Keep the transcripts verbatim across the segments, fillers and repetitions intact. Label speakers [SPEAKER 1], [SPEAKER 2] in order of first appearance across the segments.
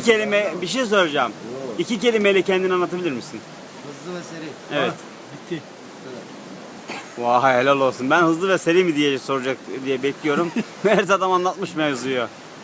[SPEAKER 1] kelime bir şey soracağım. İki kelimeyle kendini anlatabilir misin?
[SPEAKER 2] Hızlı ve seri.
[SPEAKER 1] Evet.
[SPEAKER 3] Bitti.
[SPEAKER 1] Vay helal olsun. Ben hızlı ve seri mi diye soracak diye bekliyorum. Mert adam anlatmış mevzuyu.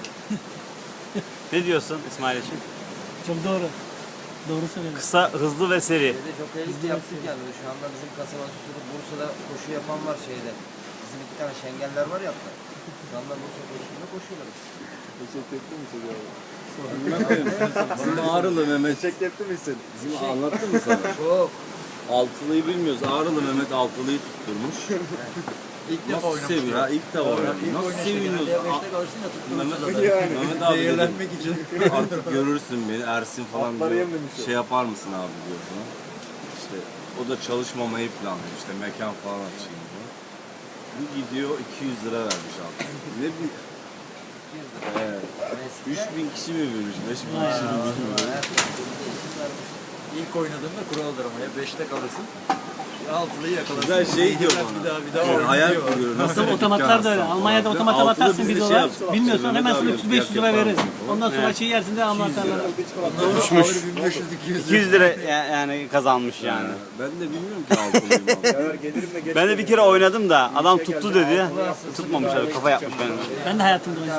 [SPEAKER 1] Ne diyorsun İsmail için?
[SPEAKER 3] Çok doğru. Doğru söyledin.
[SPEAKER 1] Kısa, hızlı ve seri.
[SPEAKER 2] Şeyde jokeylik de yaptık yani. Şu anda bizim kasaba suçlu Bursa'da koşu yapan var şeyde. Bizim iki tane şengeller var ya. Şu anda Bursa koşusunda koşuyorlar.
[SPEAKER 4] Teşekkür ettin mi size abi? Bizim Ağrılı Mehmet. Teşekkür ettin misin? Bizim anlattın mı sana?
[SPEAKER 2] Çok.
[SPEAKER 4] Altılıyı bilmiyoruz. Ağrılı Mehmet altılıyı tutturmuş.
[SPEAKER 2] İlk defa
[SPEAKER 4] Nasıl seviyor ha? İlk defa oynadı. Nasıl seviniyoruz?
[SPEAKER 2] beşte kalırsın ya
[SPEAKER 4] Mehmet,
[SPEAKER 2] tutturursun da.
[SPEAKER 4] Mehmet abi zehirlenmek için. Artık görürsün beni Ersin falan diyor. Şey yapar mısın abi diyor bana. İşte o da çalışmamayı planlıyor. İşte mekan falan açayım diyor. Bir gidiyor iki yüz lira vermiş abi. Ne bir... Evet. üç bin kişi mi bilmiş? beş bin kişi mi bilmiyorum.
[SPEAKER 5] İlk oynadığımda kuraldır ama ya beşte kalırsın. Altılıyı yakalarsın.
[SPEAKER 4] Güzel şey diyor bana.
[SPEAKER 5] Bir daha bir daha
[SPEAKER 4] Yani
[SPEAKER 5] oyna
[SPEAKER 4] hayal
[SPEAKER 5] diyor.
[SPEAKER 4] kuruyorum.
[SPEAKER 3] Aslında otomatlar da öyle. Almanya'da otomata
[SPEAKER 4] Altılı
[SPEAKER 3] batarsın
[SPEAKER 4] biz de
[SPEAKER 3] bir
[SPEAKER 4] şey
[SPEAKER 3] dolar.
[SPEAKER 4] yaptık.
[SPEAKER 3] Bilmiyorsan hemen sana
[SPEAKER 4] Mehmet
[SPEAKER 3] üç yüz
[SPEAKER 4] abi
[SPEAKER 3] beş yüz lira
[SPEAKER 4] yapar
[SPEAKER 3] veririz.
[SPEAKER 4] mısın falan.
[SPEAKER 3] Ondan sonra
[SPEAKER 1] Evet.
[SPEAKER 3] çiğ yersin de anahtarları.
[SPEAKER 1] Düşmüş.
[SPEAKER 5] bin beş yüz iki yüz
[SPEAKER 1] iki yüz lira ya- yani kazanmış yani.
[SPEAKER 4] Ben de bilmiyorum ki altılıyım abi.
[SPEAKER 1] Ben de bir kere oynadım da adam tuttu dedi. Tutmamış abi kafa yapmış benim.
[SPEAKER 3] Ben de hayatımda oynadım.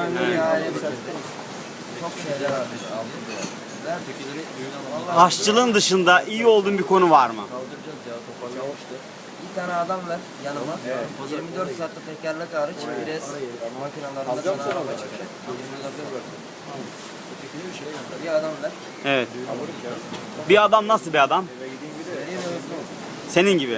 [SPEAKER 2] Çok şeyler varmış. Ver fikirleri.
[SPEAKER 1] Aşçılığın dışında iyi olduğun bir konu var mı?
[SPEAKER 2] Kaldıracağız ya toparlamıştı. Bir tane adam ver yanıma. yirmi dört saatte tekerlek hariç pres makinalarında sana araba çıkacak. yirmi dört Bir adam ver.
[SPEAKER 1] Evet. Bir adam nasıl bir adam?
[SPEAKER 2] Vereyim mi hızlı olsun?
[SPEAKER 1] Senin gibi.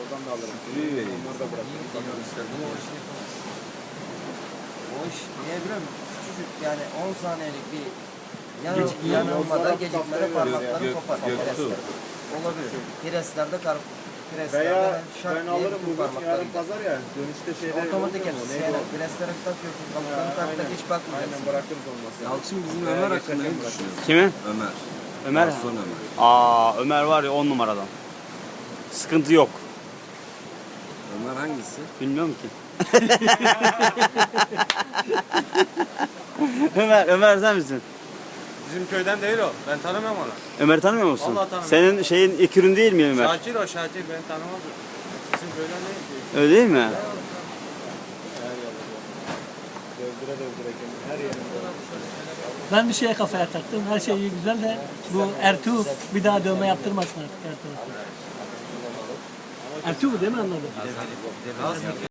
[SPEAKER 2] O iş niye biliyor musun? Küçücük yani on saniyelik bir yan, yanılmada gecikmede parmakları
[SPEAKER 4] Gök-
[SPEAKER 2] kopar.
[SPEAKER 4] Göktuğ.
[SPEAKER 2] Presler. Olabilir. Preslerde kar preslerde
[SPEAKER 6] Veya
[SPEAKER 2] şak
[SPEAKER 6] ben
[SPEAKER 2] diye
[SPEAKER 6] alırım
[SPEAKER 2] bütün
[SPEAKER 6] bugün
[SPEAKER 2] parmakları
[SPEAKER 6] yarın
[SPEAKER 2] gider.
[SPEAKER 6] pazar ya dönüşte şeyde
[SPEAKER 2] Otomatik
[SPEAKER 6] oluyor mu?
[SPEAKER 2] hepsi.
[SPEAKER 6] Neydi
[SPEAKER 2] Yani
[SPEAKER 6] o?
[SPEAKER 2] preslere takıyorsun. Kapılarını taktık hiç
[SPEAKER 6] Aynen
[SPEAKER 2] bakmayacaksın.
[SPEAKER 6] bırakırız olmazsa.
[SPEAKER 4] Yalçın bizim Ömer hakkında ne düşünüyorsun?
[SPEAKER 1] Kimi?
[SPEAKER 4] Ömer.
[SPEAKER 1] Ömer.
[SPEAKER 4] Garson Ömer.
[SPEAKER 1] Aa Ömer var ya on numaradan. Sıkıntı yok.
[SPEAKER 4] Ömer hangisi?
[SPEAKER 1] Bilmiyorum ki. Ömer, Ömer sen misin?
[SPEAKER 5] Bizim köyden değil o. Ben tanımıyorum onu.
[SPEAKER 1] Ömer'i tanımıyor musun?
[SPEAKER 5] Vallahi tanımıyorum.
[SPEAKER 1] Senin şeyin ekürün değil mi Ömer?
[SPEAKER 5] Şakir o Şakir beni tanımaz o. Bizim köyden değil ki.
[SPEAKER 1] Öyle değil mi?
[SPEAKER 6] Dövdüre dövdüre kendini her yerinde.
[SPEAKER 3] Ben bir şeye kafaya taktım. Her şey iyi güzel de bu Ertuğ bir daha dövme yaptırmasın artık Ertuğ. Ertuğ değil mi anladın?